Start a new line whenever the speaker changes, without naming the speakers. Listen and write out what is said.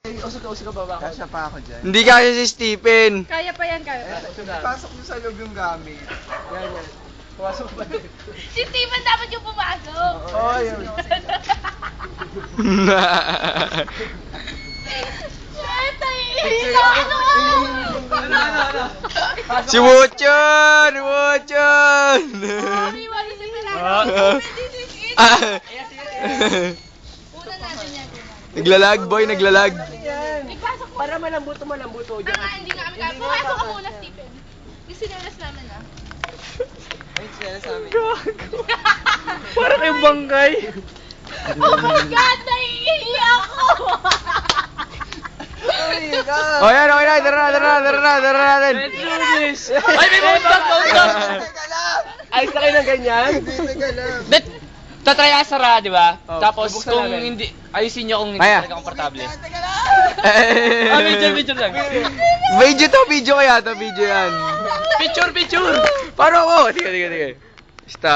Usog ka baba.
Kasya pa ako dyan.
Hindi kaya si Stephen.
Kaya pa yan, kaya pa.
Pasok nyo sa loob yung gamit.
Yan. Pumasok ba?
Si Steven dapat yung pumasok.
Oo, yun.
Shit, naiinis ako.
Si Wuchon! Wuchon!
Sorry, wala si Milano. This is it. Una natin yan.
Naglalag, boy, naglalag.
Ipasok mo.
Para malambuto.
Hindi nga kami kaya. Pumasok ka muna, Stephen. Yung sinelas namin, ah.
Ay, sila sa amin.
Para kayong bangkay.
Oh my God, naiihi ako.
O yan, okay na, tara natin.
Ay, may bauntag.
Teka lang!
Ayos na kayo ng ganyan.
Teka lang.
Tatry asara, di ba?
Oh,
Tapos
bubuksan
kung
namin.
hindi, ayusin nyo kung hindi
Kaya.
talaga komportable.
Teka lang!
Video lang.
Video kaya to, video yan.
Picture!
Paano ako? Sige. Stop.